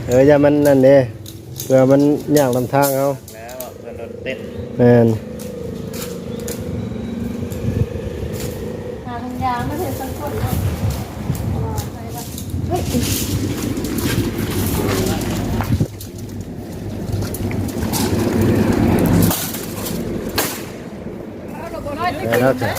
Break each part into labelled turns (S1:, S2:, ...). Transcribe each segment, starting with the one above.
S1: อย่ามันนั่นเด้เพื่อมันย่างลำทางเอา
S2: แล้วเพื่อนรถเต้น
S1: แม่น
S3: หาทางยางไม่เห็นสักคนเนาะไปละเฮ้ย
S1: แล้วจ้ะ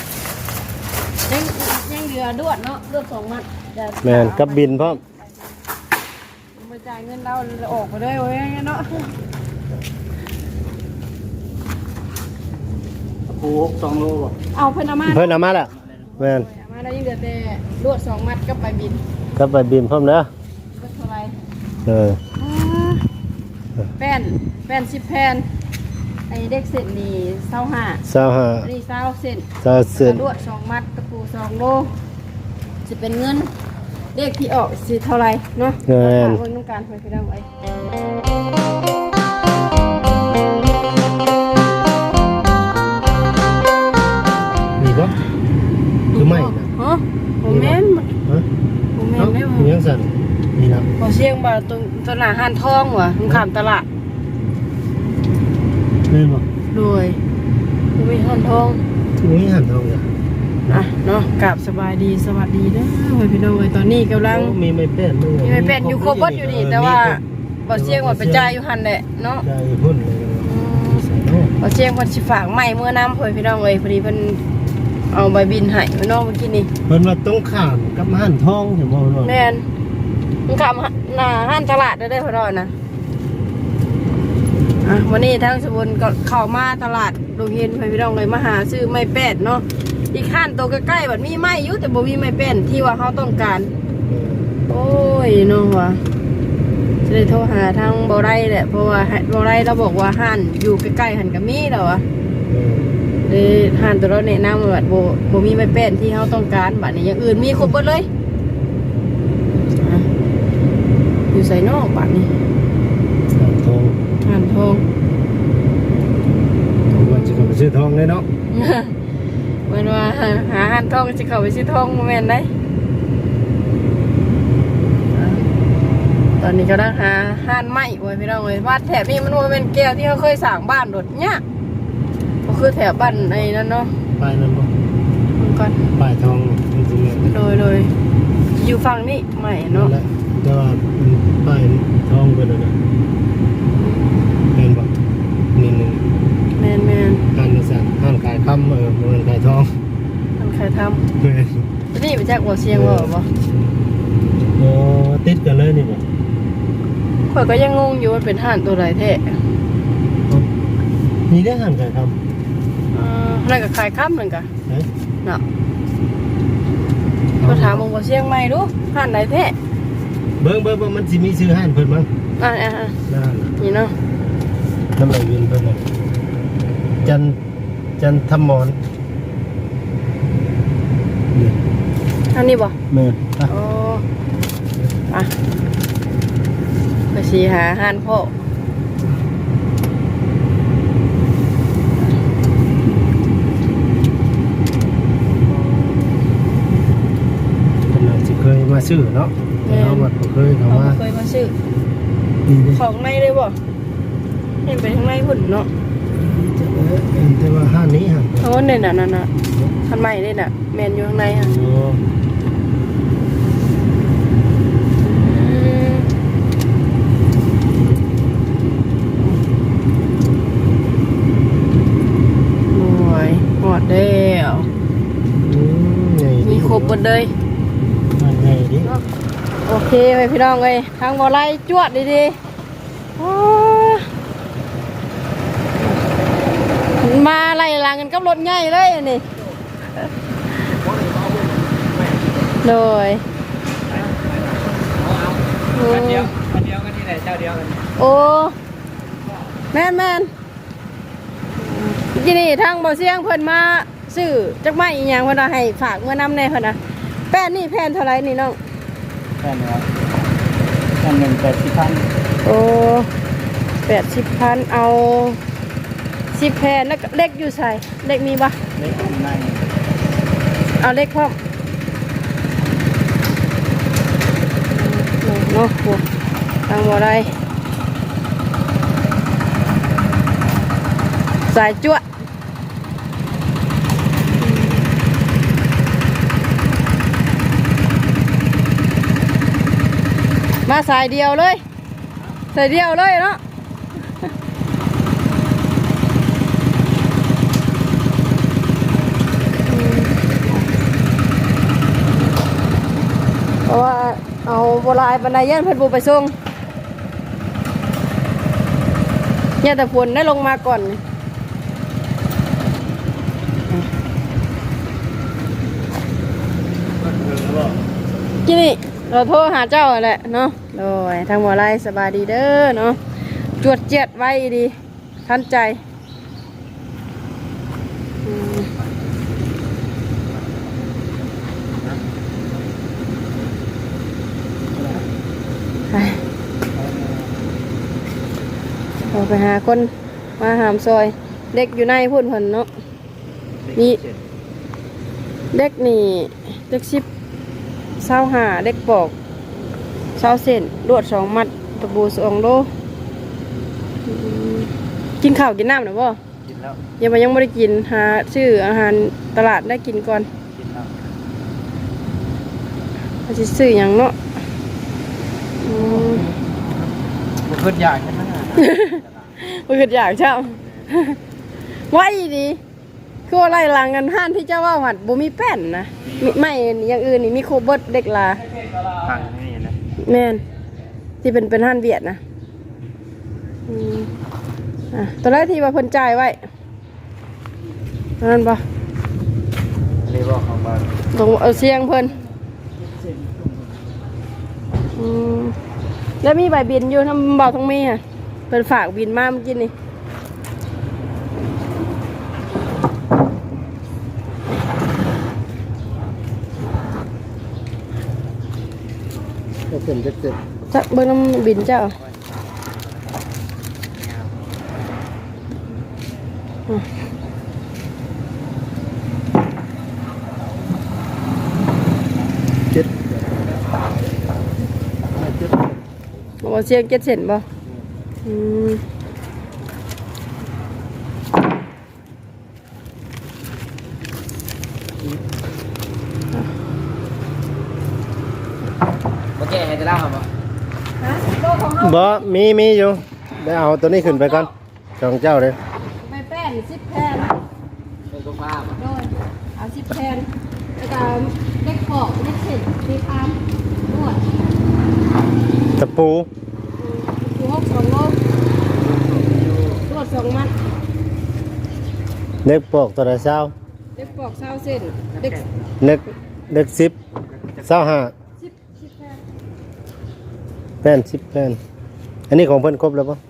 S3: ยังเหลือดวดเนาะดวด2 มัด
S1: แม่นกับบินพร้อม
S3: มาจ่ายเงินเราออกไปเลยเว้ยเนาะ
S2: ปู2 โลบ่
S3: เอาเพิ่นเอามา
S1: แล้วแม่น
S3: มาแล้วยังเหลือแต่ดวด2 มัดกับไปบิน
S1: กับไปบินพร้อมเด้อ
S3: ก็เท่าไรแป้น10 แผ่นไอ้เด็กเส้นนี่25อันนี้20 เส้นดวด2 มัดตะปู2 โลจะเป็นเงินเลขที่ออกสิเท่าไรเนาะเพิ่นต้องการไปได้ไว้
S1: มีบ่คือไม่นะ
S3: ฮะผมแม่นผมแม่นได้บ่
S1: ยังสั่นนี่นะ
S3: บ่เสียงบ่ตรงหน้าห้านทองว่ะตรงข้ามตลาด
S1: แม่นบ่
S3: โดยมีห้านทอง
S1: มีห้านทองจ้ะ
S3: เนาะกราบสบายดีสวัสดีเด้อพี่น้องตอนนี้กำลัง
S1: มีไม่เป็น
S3: อยู่ครบบ่อยู่นี่แต่ว่าบ่เสียงว่าไปจ่ายอยู่หั่นแหละเนาะ
S1: จ่ายพุ่นเลย
S3: บ่เสียงเพิ่นสิฝากไม้เมื่อน้ำเพิ่นพี่น้องเอ้ยพอดีเพิ่นเอาใบบินให้พี่น้องเมื่อกี้นี่
S1: เพิ่นว่าต้องข้ามกับห้านทองเห็นบ่เนาะ
S3: แม่นมันข้ามหน้าห้านตลาดได้พี่น้องนะวันนี้ทางสมุนก็เข้ามาตลาดโรงเรียนพี่น้องเลยมาหาซื้อไม้แป้นเนาะอีกข้านตัวใกล้ๆแบบมีไม้อยู่แต่บ่มีไม้แป้นที่ว่าเขาต้องการโอ้ยเนาะว่ะจะได้โทรหาทางบ่ได้แหละเพราะว่าบ่ได้เราบอกว่าห้านอยู่ใกล้ๆหันกับมีแล้วอ่ะเลยห้านตัวเราแนะนำว่าแบบบ่มีไม้แป้นที่เขาต้องการบัดนี้อย่างอื่นมีครบหมดเลยอยู่ใส่นอกบัดนี้ห้านทอง
S1: ว่าจะเข้าไปซื้อทองเลยเนาะ
S3: เหมือนว่าหาห้านทองจะเข้าไปซื้อทองโมเมนต์ได้ตอนนี้ก็ต้องหาห้านไม้ไว้พี่น้องเลยบ้านแถบนี้มันว่าเป็นแก้วที่เขาเคยสั่งบ้านโดดเนี่ยก็คือแถบบ้านไอ้นั่นเนาะ
S1: ป้ายนั่นบ่
S3: ก่อน
S1: ป้ายทองจริง
S3: ๆโดยอยู่ฝั่งนี้ใหม่เนาะ
S1: แต่ว่าป้ายทองเป็นอะไรเป็นบ่นี่นึง
S3: แมน
S1: ห้านสั่งห้านขายคำเงินขายทอง
S3: ห้านขายทำนี่ไปจากบ่อเชียงบ่
S1: โอ้ติดกันเลยนี่บ่
S3: ข่อยก็ยังงงอยู่ว่าเป็นห้านตัวไรแท้
S1: นี่ได้ห้านขายคำ
S3: นั่นก็ขายคำหนึ่งกะเนาะก็ถามมึงบ่อเชียงใหม่ดูห้านไหนแท้
S1: เบิ่งมันสิมีชื่อห้านเพิ่นมั้ง
S3: นี่เนาะ
S1: น้ำไหลวินเพิ่นน่ะจันทมร
S3: อันนี้บ่
S1: แม่
S3: อ๋อไปสิหาห้านพ่อ
S1: เคยมาซื้อเนาะเราบัดเคยเขา
S3: มาซื้อของในเลยบ่เห็นไปทางในหุ่นเนาะ
S1: แต่ว่าห้านนี้ฮะ
S3: โอ้เนี่ยน่ะทันใหม่เลยน่ะแมนอยู่ข้างในฮะโอ้ยหอดแล้วมีครบหมดเลยโอเคไปพี่น้องเลยทางบ่อไล่จวดดีมาไล่ลางกันกับรถใหญ่เลยนี่โดย
S2: กันเดียวกันนี่แหละเจ้าเดียวกัน
S3: โอ้แม่นที่นี่ทางบ่อเสียงเพิ่นมาซื้อจักไม้อีหยังเพิ่นให้ฝากเมื่อนำแน่เพิ่นนะแป้นนี่แผ่นเท่าไรนี่น้อง
S2: แผ่นครับแผ่น180,000
S3: โอ้80,000เอา10 แผ่นแล้วเล็กอยู่ใส่เล็กมีบ่
S2: เล็กใน
S3: เอาเล็กพร้อมเนาะทางบ่ได้สายจั่วมาสายเดียวเลยสายเดียวเลยเนาะเพราะว่าเอาโบราณบรรดาย่านเพิ่นบูไปส่งเนี่ยแต่ฝนได้ลงมาก่อนที่นี่เราโทรหาเจ้าแหละเนาะโดยทางบัวไร่สบายดีเด้อเนาะจวดเจ็ดไว้ดีทันใจเราไปหาคนมาหามซอยเด็กอยู่ในพุ่นเพิ่นเนาะมีเด็กนี่เด็ก15เด็กปอก20 เซนลวด2 มัดตะบู2 โลกินข้าวกินน้ำหรือเปล่า
S2: กินแล้ว
S3: ยังไม่ได้กินหาชื่ออาหารตลาดได้กินก่อน
S2: กินแล้ว
S3: เขาจะซื้ออย่างเนาะ
S2: บ่ขึ้นอยากใช่ไหม
S3: มันคืออยากเช่า ไว้ดีคือว่าไล่หลังกันห้านที่เจ้าว่าหัดบ่มีแป้นนะไม่อย่างอื่นนี่มีโคเบิร์ตเด็กลา
S2: ฟังนี่นะ
S3: แม่นที่เป็นห้านเบียดนะตอนแรกที่ว่าเพิ่นจ่ายไว้นั่นปะ
S2: เรียกว่าของบ้าน
S3: ต้องเอาเสียงเพิ่นแล้วมีใบบินอยู่ทำเบาทั้งมีค่ะเป็นฝากบินมาเมื่อกี้นี่
S1: ก็เป็นเจ็ด
S3: จะเบิ่งน้ำบินเจ้าบอกเสียง7 เซนบ่
S2: โอเคให้จะเล่าครับ
S1: บ่มีอยู่ได้เอาตัวนี้ขึ้นไปก่อนของเจ้าเลย
S3: ไม่แป้น10 แผ่น
S2: เป็นตัวฟ้า
S3: โดยเอา10 แผ่นแล้วก็เล็กปอกเล็กเศษเล็กอามนวด
S1: ตะปู
S3: คือ2 โลนวด2 มัด
S1: เล็กปอกตัวละเช้า
S3: เล็กปอก20 เซนเล็ก
S1: เล็ก10 25
S3: 10 แผ่น
S1: 10 แผ่นอันนี้ของเพิ่นครบแล้วปะ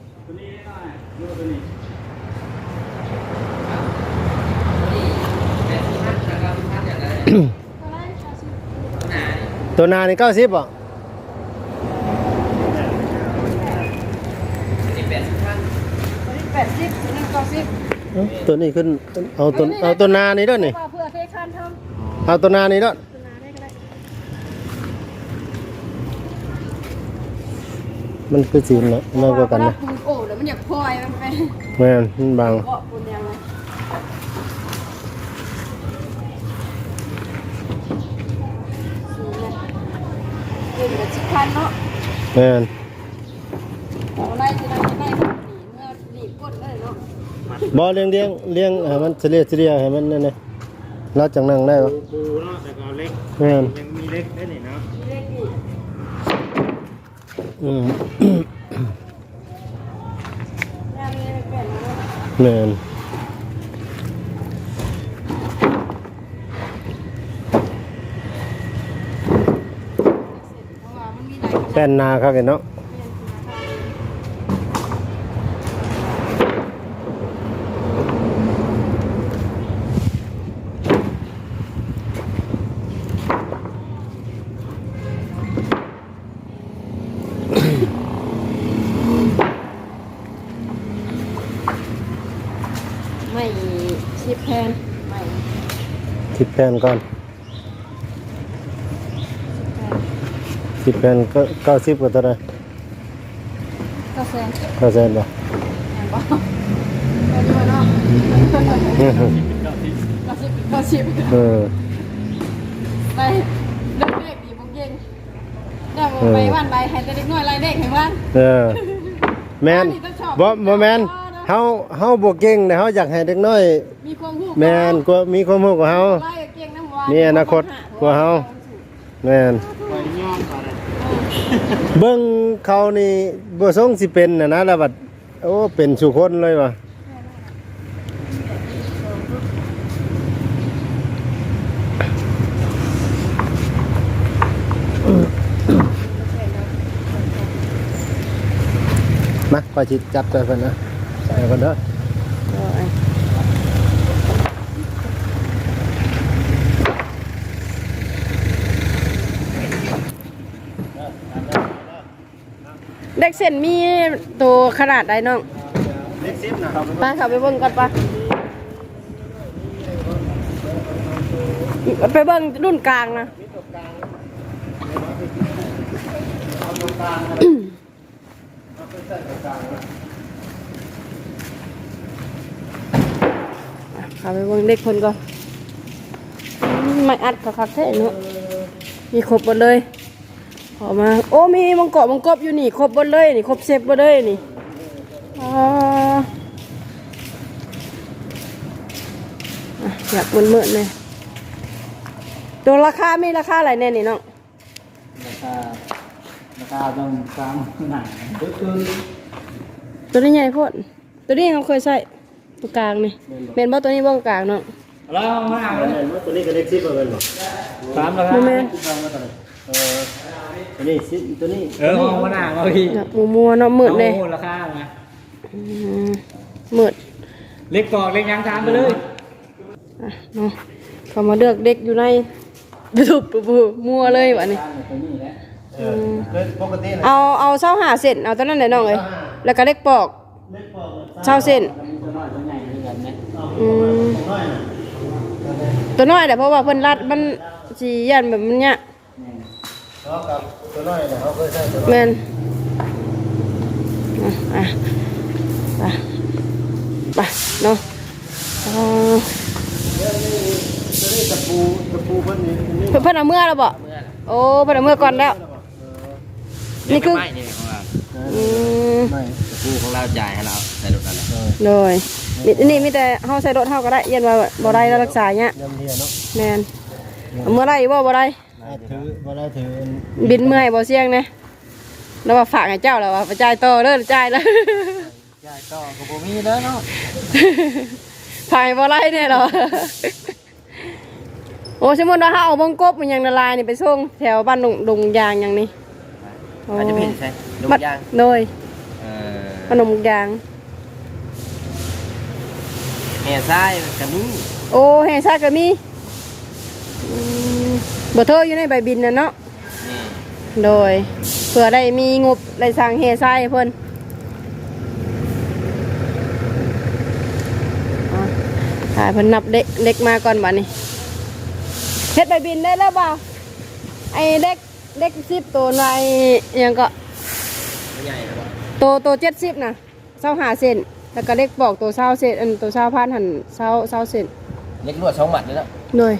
S1: ตัวนานี่90ป่ะ
S3: 80นี่90
S1: ตัวนี้ขึ้นเอาตัวนานี่ด้วยนี่
S3: เพื่อเทคานทำ
S1: เอาตัวนานี่ด้วย
S3: ตัวนาได้ก็ได้
S1: มันคือสีเนาะน้อยกว่ากันนะ
S3: ปูโอ้แล้วมันอยากพลอยมันไป
S1: แม่นมันบาง
S3: เกาะปูนยังไงเล่นกับชิคานเนาะ
S1: แม่น
S3: เอาไล่จะได้เมื่อหนีบก้นเลยเนาะ
S1: บ่เลี้ยงให้มันเฉลี่ยให้มันนั่นน่ะเราจังนั่งได้ปะ
S2: ปูเนาะแต่ก็เล็ก
S1: แม่น
S2: ยังมีเล็กได้นี่เนาะ
S3: เล็กนี่
S1: อืม
S3: แม่ไม่เป็นเนาะ
S1: แม่น
S3: เพราะว่ามันมีหลายขนาด
S1: แป้นนาครับเนาะ
S3: ไม่10 แผ่นไม่
S1: 10 แผ่นก่อน10 แผ่นก็90กว่าตัวได้
S3: ก็แซง
S1: เข้าใจบ่
S3: แอนบ่ไปดูเนาะก็ชิบ
S1: เออ
S3: ไปเด็กเด็กดีบุกเย็นเดี๋ยวไปวันไปให้เด็กน้อยไล่เด็กเห็นบ้าน
S1: เออแม่นบ่แม่นเฮาบ่เก่งแต่เฮาอยากให้เด็กน้อย
S3: มีความรู้
S1: แม่นกว่ามีความรู้กว่าเฮา
S3: ไล่เก่งน้ำวาน
S1: มีอนาคตกว่าเฮาแม่น
S2: ไปย่อมก่อนเลย
S1: เบิ่งเขานี่บ่ทรงสิเป็นน่ะนะแล้วบัดโอ้เป็นสุคนเลยว่ะมาขอจิจับตัวเพิ่นนะใส่เพิ่นเด้อ
S3: เด็กเส้นมีตัวขนาดใดน้อง
S1: เล็ก10นะครับ
S3: ไปขับไปเบิ่งก่อนปะไปเบิ่งรุ่นกลางนะขับไปเบิ่งเด็กคนก่อนไม่อัดคักๆแท้เนาะมีครบหมดเลยออกมาโอ้มีมังกรมังกบอยู่นี่ครบหมดเลยนี่ครบเซฟหมดเลยนี่อยากมืดๆเลยตัวราคามีราคาอะไรแน่นี่น้อง
S2: ราคาต้องตามหนังก็คือ
S3: ตัวนี้ใหญ่โพดตัวนี้เขาเคยใส่ตัวกลางนี่เมนบ่ตัวนี้บ่กลางเนาะ
S2: แล้วมาเลย
S1: ตัวนี้ก็เล็ก10บ่แม่นบ่
S2: ตามราคา
S3: แม่น
S1: ตัวนี้10ตัวนี้
S2: ห้องมาหน้าเอาพี่
S3: อยากมัวๆเนาะมืดเลย
S2: ราคาไง
S3: มืด
S2: เล็กกอกเล็กยังทานไปเลย
S3: อ่ะเนาะเขามาเลือกเด็กอยู่ในบุบมัวเลยวะนี่
S1: ปกติ
S3: เอาเส้าหาเส้นเอาตอนนั้นเลยน้องเลยแล้วก็เล็กปอกเส้าเส้นตัวน้อยแต่เพราะว่าเพิ่นรัดมันสียันแบบมันเนี้ย
S1: กับตัวน้อยเนี่ยเขาเคยใช้ตัว
S3: แมนอ่ะไปเนาะ
S1: ตัวนี้ตะปูเพิ่นนี่นี่
S3: เพิ่นเอาเมื่อแล้วบ่โอ้เพิ่นเอาเมื่อก่อนแล้วนี่คือ
S4: ไม่นี่ของเรา
S1: ไม่
S4: ตะปูของเราจ่ายให้เราใส่รถอะไร
S3: เลยนี่มีแต่เฮาใส่รถเฮาก็ได้เย็นว่าบ่ได้รักษาเนี้ย
S1: ยำเดียเนาะ
S3: แมนเอาเมื่อไรบ่ได้
S1: ถือบ่ได้ถือ
S3: บินเมื่อยบ่เสี่ยงเนี่ยแล้วว่าฝากให้เจ้าแล้วว่าไปจ่ายต่อเด้อจ่ายแล้ว
S2: จ่ายต่อกับผมมีแล้วเนาะ
S3: ฝากให้บ่ไรเนี่ยเหรอโอ้สมมุติว่าเฮาเอาบงกบมันยังละลายนี่ไปส่งแถวบ้านดงยางอย่างนี้
S4: อาจจะเป็นใช่ลูกยาง
S3: โดย
S4: เออ
S3: ขนมยาง
S4: แห่ซ้ายกับนี้
S3: โอ้แห่ซากก็มีเบอร์โทรอยู่ในใบบินน่ะเนาะ
S4: นี่
S3: โดยเผื่อได้มีงบได้สั่งแห่ทรายให้เพิ่นถ่ายเพิ่นนับเด็กมาก่อนบัดนี้เฮ็ดใบบินได้แล้วเปล่าไอ้เด็ก10ตัวในยังก็
S4: ไม่ใหญ่หรอก
S3: ตัว70น่ะ25เซนแล้วก็เด็กบอกตัว20เซนอันตัว20,000หั่น20เซน
S4: เล็กลวด2 หมัดเลยนะ
S3: เลย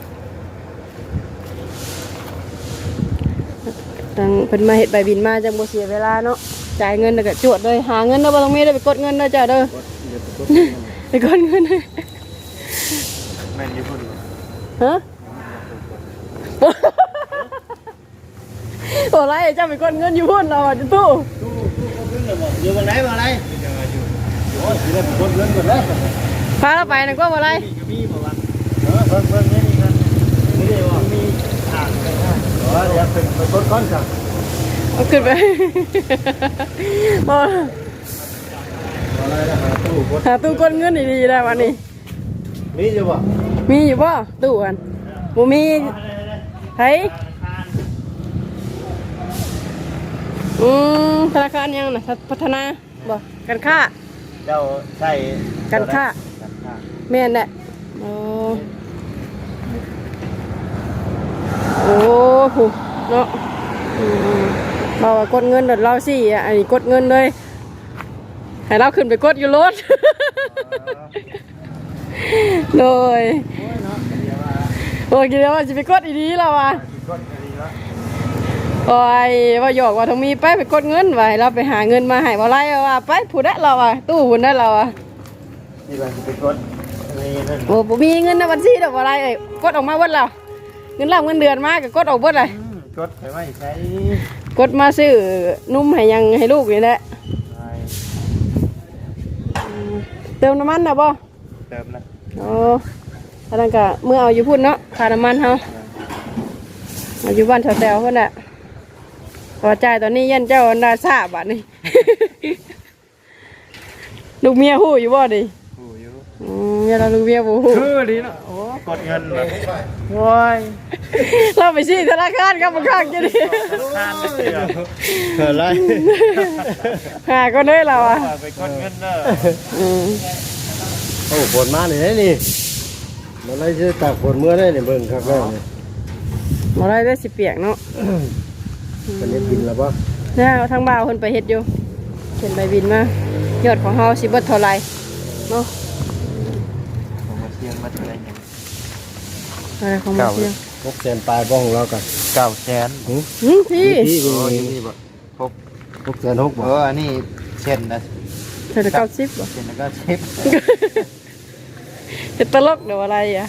S3: ตั้งเพิ่นมาเฮ็ดใบบินมาจังบ่เสียเวลาเนาะจ่ายเงินแล้วก็จวดเลยหาเงินเด้อบ่ต้องมีได้ไปกดเงินเด้อจ้าเด้อไปกดเงิน
S4: แม่นอยู่พอดี
S3: ฮะโอ้ไรเจ้าไปกดเงินอยู่พุ่นเราอ่ะจะตู้
S1: อยู่บนไหนมาอะไรโอ้ยสิได้กดเงินก่อนแล้ว
S3: พาเราไปนะก็บ่ไร
S1: มีบ่วะเพิ่นนี่ครับไม่ได้ว่ามีทางไปได้เดี๋ยวเป็นกดก้อนจ้ะ
S3: เอาขึ้นไปบ่
S1: อะไรนะหาตู้กด
S3: หาตู้กดเงินดีๆได้วันนี้
S1: มีอยู่บ่
S3: มีอยู่บ่ตู้อันบ่มีไผธนาคารยังน่ะพัฒนาบ่การค้า
S1: เจ้าใช้
S3: การค้าแม่นแหละโอ้โอ้โหเนาะเรากดเงินเดี๋ยวเราสิอันนี้กดเงินเลยให้เราขึ้นไปกดอยู่รถ โดย
S1: โอ้ยเนาะเดี๋ยวว่า
S3: โอ้ยคิดว่าจะไปกดอีดีแล้วว่ะ
S1: สิกดก็ดีแล้ว
S3: โอ้ยว่าหยอกว่าต้องมีไปกดเงินไว้เราไปหาเงินมาให้บ่ไรว่าไปผู้ได้เราอ่ะตู้ผู้ได้เราอ่ะ
S1: นี่ว่าสิไปกดอะไรนั่น
S3: โอ้บ่มีเงินในบัญชีดอกบ่ไรเอ้ยกดออกมาเบิดแล้วเงินเราเงินเดือนมาก็กดออกเบิดเลย
S1: กดไปไว้ใช้
S3: กดมาซื้อนุ่มให้ยังให้ลูกนี่แหละ
S1: ไป
S3: เติมน้ำมันน่ะบ่
S1: เติมนะ
S3: โอ้ถ้านั้นก็เมื่อเอาอยู่พุ่นเนาะค่าน้ำมันเฮาเอาอยู่บ้านแถวๆพุ่นน่ะพอจ่ายตอนนี้ยันเจ้าอันดาซ่าบาทนี่ ลูกเมียฮู้อยู่บ่ดิ
S1: ผู้อยู่
S3: เมียเราลูกเมียบ่ฮู้
S1: คือดีเนาะโอ้กดเงินแบบโอ้ย
S3: เราไปชี้ธนาคารกับบังคับจะดิ
S1: ทานเกิดอะไร
S3: หาก็ได้เราอ่ะ
S1: ไปกดเงินเด้อ
S2: โอ้ฝนมาเลยนี่มันเลยจะตากฝนเมื่อได้เนี่ยเบิ่งครับแม่เนี่ย
S3: บ่ได้ได้สิเปียกเนาะ
S2: มันจะกินแล้วปะ
S3: เนี่ยทางบ่าวเพิ่นไปเฮ็ดอยู่เห็นใบบินมายอดของเฮาสิเบิดเท่าไหร่เนาะ
S1: ผมมาเชียงมาเท่าไหร่
S3: อะไรของมันเสียง
S2: 600,000ปลายบ้องของเรากัน
S1: 900,000
S3: พี่
S2: พี่
S1: โอ้ย
S2: นี่
S1: นี่บ่พก
S2: 606บ่
S1: อันนี้เช่นนะ
S3: เธอจะ90บ่
S1: เช่นแล้วก็เช็ด
S3: จะตลกเดี๋ยวอะไรอ่ะ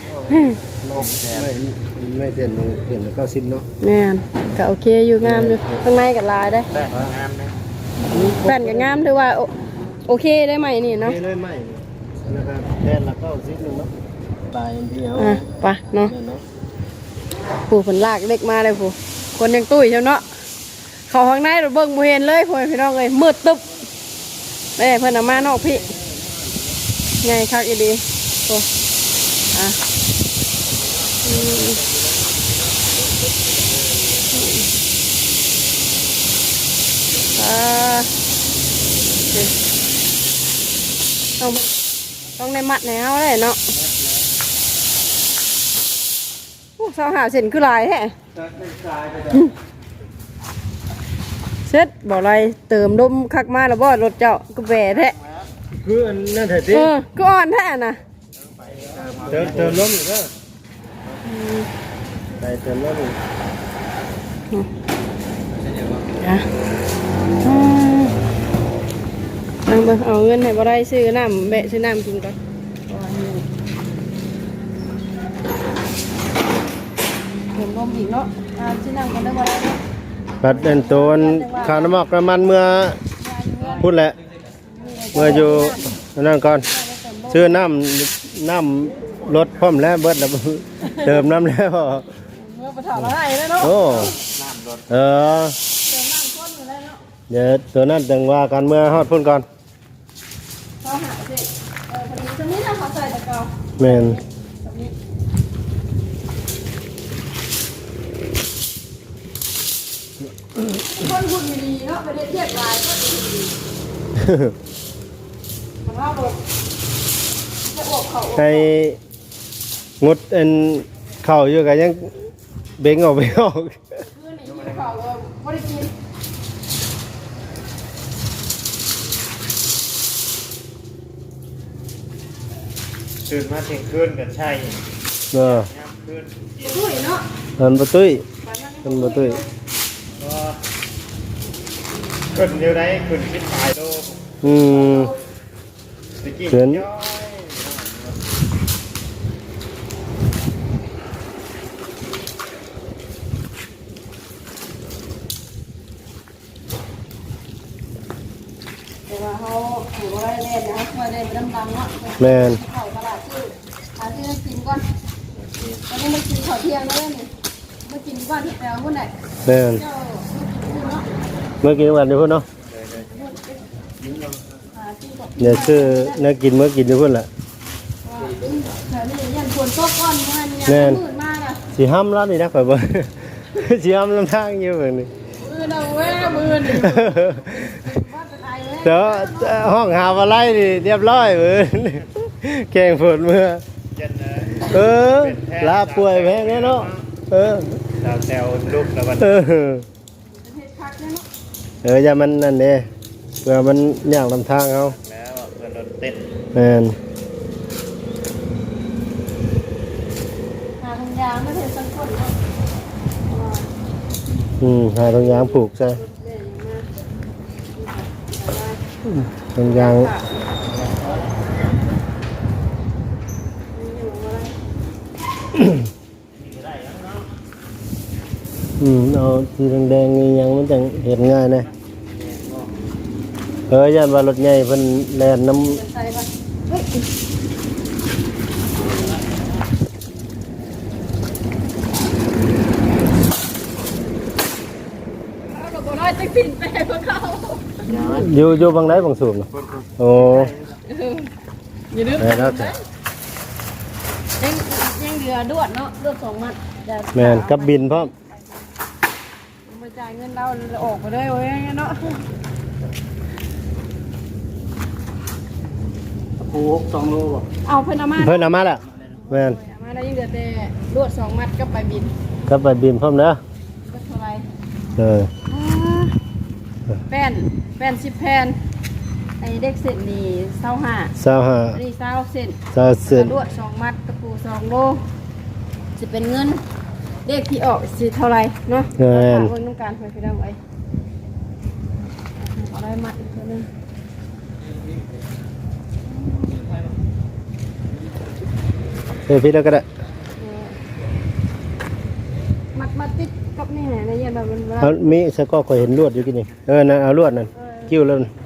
S2: ไม่เปลี่ยนแล้วก็สิ้นเนาะ
S3: แม่นก็โอเคอยู่งามอยู่ข้างในก็ลายได้
S1: ได้งามเลย
S3: แป้นก็งามถือว่าโอเคได้ไหมนี่เนาะ
S2: เลยไม่นะครับแค่ละก็สิ้นนึงเนาะตายเดียว
S3: อ่ะไปเนาะ
S2: เนาะ
S3: ผู้ผลลากเล็กมาเลยผู้คนยังตุ้ยเช่าเนาะเขาข้างในเราเบิ่งบ่เห็นเลยพ่อพี่น้องเลยมืดตึ๊บแม่เพิ่นเอามานอกพี่ไงคักอีดีโอ้อ่ะต้องในมัดแนวเลยเนาะสาวหาเส้นคือลายแฮะเสร็จบอกอะไรเติมดมคักมาแล้วบ่รถเจ้าก็แหวแท้
S2: คืออันนั่นเถิดดิ
S3: ก็อ่อนแท้น่ะ
S2: เติมล้มอีกก็ไปเติมล้มอีก
S3: อ่ะเอาเงินให้บ่ได้ซื้อน้ำแบะซื้อน้ำกินก่อนเติมลมอีกเนาะซื้อน้ำกันได้บ่ได้
S2: ปัดเป็นตัวข้าวน้ำมันน้ำมันเมื่อพูดแหละเมื่ออยู่นั่นก่อนซื้อน้ำรถพร้อมแล้วเบิดแล้วเติมน้ำแล้ว
S3: เมื่อไปถอดอะไรแล้วเนาะ
S2: โอ้เออ
S3: เติมน้ำข้นอยู่แล้วเนาะ
S2: เดี๋ยวตัวนั้นจังว่ากันเมื่อฮอดพุ่นก่อน
S3: เขาหาสิพอดีตรงนี้นะเขาใส่ตะเกา
S2: แม่น
S3: ตรงนี้คนหุ่นดีเนาะไปเทียบลายก็ดีมันว่าบทจะอกเขา
S2: ให้งดอันเข่าอยู่กันยังเบ่งออกไปออก
S3: คือนี่อยู่เขาไม่ได้กิน
S1: ตื่นมาเที่ยงคืนกันใช่
S2: เออ
S1: ยามคืน
S3: ด้วยเนาะ
S2: มันบ่ตุ้ยมันบ่ตุ้ย
S1: ก็ขึ้นเดียวได้ขึ้นคิดตายโล
S2: อืม
S1: ตะกี้
S2: เขิน
S1: ย้อย
S3: แต่ว่าเขาถือว่าได้เล่นนะมาเล่นเป็นดำๆเนาะ
S2: แม่น
S3: เขาตลาดชื่อหาที่กินก่อนตอนนี้มากินข้าวเที่ยงแล้วนี่มากินก่อนที่แปลว่าไหน
S2: แม่น
S3: เจ้ากินเนาะ
S2: เมื่อกี้วันอยู่พุ่นเนาะ
S3: หาที่ก่อน
S2: เดี๋ยวซื้อนักกินเมื่อกินอยู่พุ่นแหละ
S3: แถวนี้ยันควรโต๊ะก้อนมันยันมืดมากอ่ะ
S2: สิห้ามร้านนี่นะข่อยบ่ สิห้ามลำทางอยู่เบิ่งนี่
S3: มือเราเว้ยมือนี่ว่าจะตายเว้ย
S2: เดี๋ยวห้องหาอะไรนี่เรียบร้อยเบิ่ง แกงฝนเมื่อ
S1: เย็นเลย
S2: เออลาป่วยแพงแน่เนาะเออ
S1: ดาวแซวลูกแล้ววัน
S2: เออ
S3: เห็ดคักเนี่ยเนาะ
S2: อย่ามันนั่นเด้เพื่อมันยากลำทางเขา
S1: แล้วเพื่อนรถเต้น
S2: แม่น
S3: หาทางยางไม่เห็นสักคนเนาะ
S2: หาตรงยางผูกใช่ตรงยางเอาสีแดงๆนี่ยังมันจังเห็นง่ายนะย่านว่ารถใหญ่เพิ่นแล่นน้ำ
S3: ใส่ปะเฮ้ยเอาดอกบัวน้อยจะปิ่นไปให้พวกเขา
S2: อยู่บางไหนบางสูบเนาะโอ้
S3: อย่าลืม
S2: แล้วแต่
S3: ยังเหลือดวดเนาะดวด2 มัด
S2: แม่นกับบินพร้อม
S3: มาจ่ายเงินเราออกไปเลยเว้ยเนาะ
S1: ปู2 โลบ่
S3: เอาเพิ่นเอามา
S2: เพิ่นเอามาแล้วแม่น
S3: เอามาได้ยังเหลือแต่ดวด2 มัดก็ไปบิน
S2: กับไปบินพร้อมเด้อ
S3: ก็เท่าไหร่ แป้น10 แผ่นไอ้เด็กเสร็จนี่25
S2: 25
S3: อันนี้20 เซน
S2: 20เซน
S3: ลวด2 มัดตะปู2 โลจะเป็นเงินเลขที่ออกสิเท่าไหร่เนาะ
S2: เงิน
S3: เพิ่นต้องการไปพี่น้องไว้เอาได้มัดอีกตัวนึง
S2: พี่แล้วก็ได้
S3: มัดติดกับนี่แหละในเย็นแบบมัน
S2: เอามีสก็เคยเห็นลวดอยู่กินนี่นั่นเอาลวดนั่นกิ้วแล้วนั่น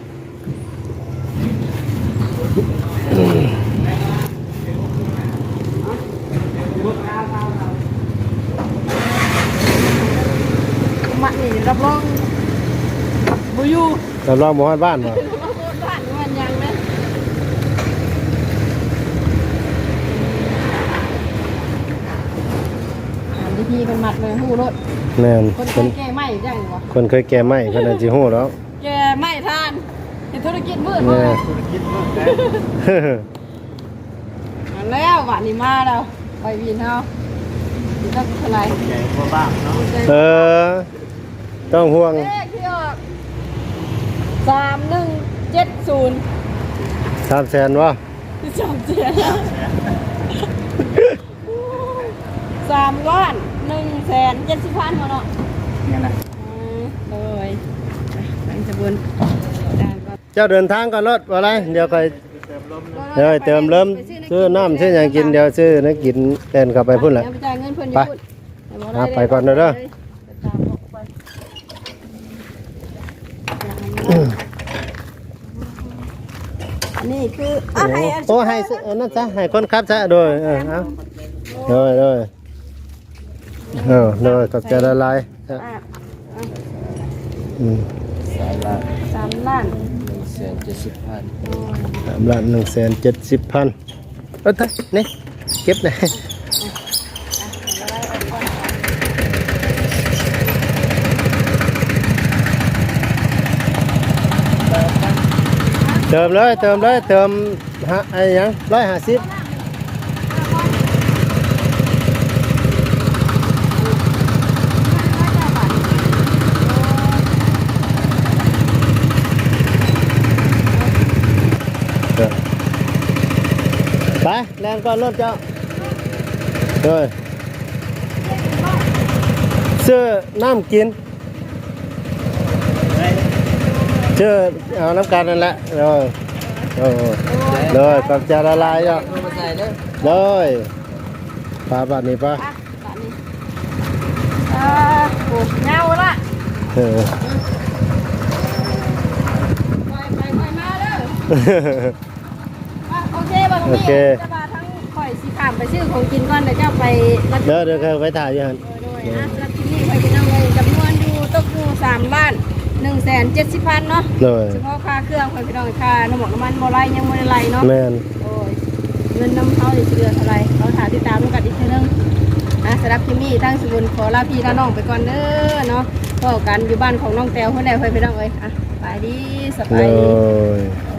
S3: มัดนี่รับรองบ่อยู่
S2: เราลองหมู่บ้านบ่
S3: บ้านมันยังนะวิธีเป็นมัดเลยหูรถ
S2: แม่น
S3: คนเคยแก้ไหมจังวะ
S2: คนเคยแก่ไม้เพิ่นอาจสิฮู้แล้ว
S3: แก้ไหมทานเห็นธุรกิจมืด
S2: แม่
S3: มาก
S1: ธุรกิจเมืองได้
S3: มาแล้ววันนี้มาแล้วไปวินเฮาสิต้องเท่าไหร่
S1: ใหญ่กว่าบ้านเนาะ
S2: ต้องห่วง
S3: เลขที่ออก3170
S2: 300,000บ่
S3: จอมเสีย3,170,000เนาะ
S1: นี่แหละ
S3: เลยตั้งจะบุญ
S2: เจ้าเดินทางก่อนรถว่าไรเดี๋ยวค่อยเดี๋ยวเติมเริ่มซื้อน้ำซื้อหยังกินเดี๋ยวซื้อนักกินเต้นเข้าไปพุ่นแหละ
S3: ไปจ่ายเงินเพิ่น
S2: ไป ไปก่อนเด้อ
S3: นี่คืออะไร
S2: โอ้ให้นั่นซะให้คนขับซะโดยเอาโดยโดยขอบใจละลาย
S3: 3 ล้าน
S4: 170,000
S2: 3,170,000เอ้ยนี่เก็บนะเติมเลยเติมไอ้ยัง150ไปแรงก่อนรถเจ้าเลยซื้อน้ำกินซื้อเอาน้ำกันนั่นแหละเลยกับจะละลายเจ้า
S4: มาใส่เด้อ
S2: เลยปลาแบบนี้ปะ
S3: โอ้เงาละ
S2: เออ
S3: ไปมาเด้อโอเคบ่ตรงนี้จะมาทั้งข่อยสีขามไปซื้อของกินก่อนเดี๋ยวจะไปรับ
S2: เดี๋ยวเคยไปถ่ายอยู่หัน
S3: โดยรับที่นี่ไปกินน้ำเลยจำนวนอยู่ตกอยู่3,170,000เนาะ
S2: เลย
S3: เฉพาะค่าเครื่องไปพี่น้องค่าน้ำมันบ่ไรยังบ่ได้ไรเนาะ
S2: แม่น
S3: โอ้ยเงินน้ำเขาจะเดือนเท่าไรเขาถามติดตามกันอีกทีนึงสำหรับที่นี่ทั้งสมุนขอลาพี่ลาน้องไปก่อนเด้อเนาะพบกันอยู่บ้านของน้องแต้วเพื่อนใดเพื่อนพี่น้องเอ้ยไปดีส
S2: เล
S3: บายดี
S2: ย